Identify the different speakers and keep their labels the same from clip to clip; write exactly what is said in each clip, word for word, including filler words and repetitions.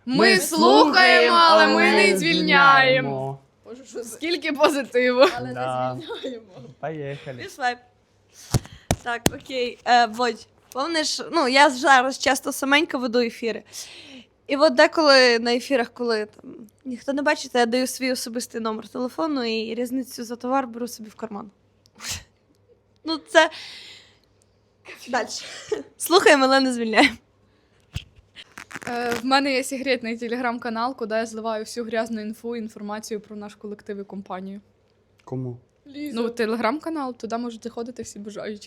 Speaker 1: Ми слухаємо, але ми не звільняємо.
Speaker 2: Боже, що за...
Speaker 1: Скільки позитиву.
Speaker 2: Але
Speaker 3: Да.
Speaker 2: не звільняємо.
Speaker 3: Поїхали.
Speaker 4: Пішли. Так, окей. Е, Бодь, помниш, ну, я зараз часто саменько веду ефіри. І от деколи на ефірах, коли там ніхто не бачить, я даю свій особистий номер телефону і різницю за товар беру собі в карман. Ну, це. Далі. Слухаємо, але не звільняємо.
Speaker 1: Е, в мене є секретний телеграм-канал, куди я зливаю всю грязну інфу, інформацію про наш колектив і компанію.
Speaker 3: Кому?
Speaker 1: Ну, телеграм-канал, туди можуть заходити всі бажаючі.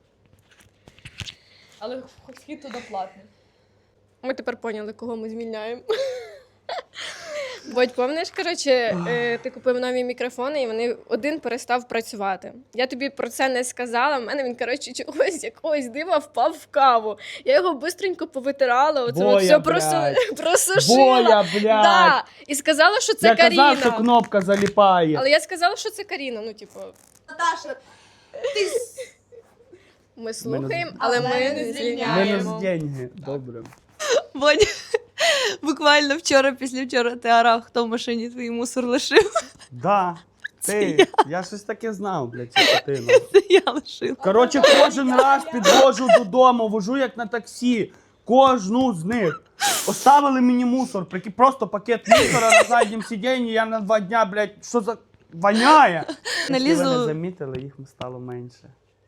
Speaker 1: Але вхід туди платний.
Speaker 2: Ми тепер поняли, кого ми звільняємо. Бодь, пам'ятаєш, коротше, е, ти купив нові мікрофони, і вони один перестав працювати. Я тобі про це не сказала. В мене він, коротше, чогось якогось дива впав в каву. Я його бистренько повитирала, оце
Speaker 3: Боя,
Speaker 2: от все
Speaker 3: блядь.
Speaker 2: просу... просушила.
Speaker 3: Боя, блядь!
Speaker 2: Да. І сказала, що це
Speaker 3: Я
Speaker 2: Каріна.
Speaker 3: казав, що кнопка заліпає.
Speaker 2: Але я сказала, що це Каріна. Ну, типу,
Speaker 4: Наташа, ти.
Speaker 2: ми слухаємо, але ми не звільняємо.
Speaker 3: Мінус деньги. Добре.
Speaker 4: Бодь, буквально вчора, післявчора ти орав, хто в машині твій мусор лишив.
Speaker 3: Да. Ти, я щось таке знав, блядь, ця дитина.
Speaker 4: Це я лишила.
Speaker 3: Коротше, кожен раз підвожу додому, вожу як на таксі. Кожну з них. Оставили мені мусор, прикинь, просто пакет мусора на заднім сидінні, я на два дня, блядь, що за... воняє.
Speaker 4: На
Speaker 3: Якщо ви
Speaker 4: Лізу-
Speaker 3: не замітили, їх стало менше.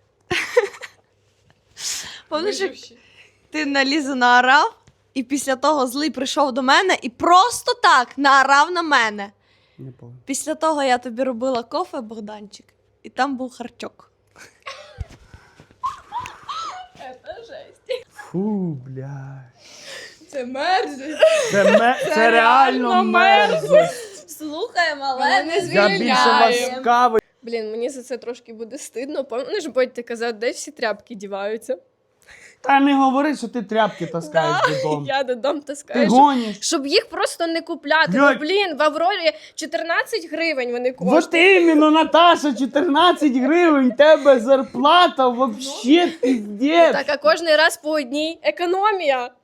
Speaker 4: Пам'ятаєш, як ти на Лізу наорав, і після того злий прийшов до мене і просто так наорав на мене.
Speaker 3: Не помню.
Speaker 4: Після того я тобі робила кофе, Богданчик, і там був харчок.
Speaker 2: Це жесть.
Speaker 3: Фу, блядь.
Speaker 1: Це мерзость.
Speaker 3: Це, ме... це, реально мерзость.
Speaker 4: Слухаємо,
Speaker 1: Але не
Speaker 3: Я більше вас
Speaker 1: звільняємо.
Speaker 3: кави.
Speaker 2: Блін, мені за це трошки буде стидно. Пам'ятаєш, Бодь, ти казав, де всі тряпки діваються?
Speaker 3: Та не говори, що ти тряпки таскаєш додому.
Speaker 2: Я додому
Speaker 3: Ти
Speaker 2: таскаю, щоб,
Speaker 3: гониш.
Speaker 2: щоб їх просто не купляти.
Speaker 3: Блядь.
Speaker 2: Ну, блін, в Аврорі чотирнадцять гривень вони коштують.
Speaker 3: Вот іменно, Наташа, чотирнадцять гривень, тебе зарплата вообще піздець.
Speaker 2: Так, а кожен раз по одній економія.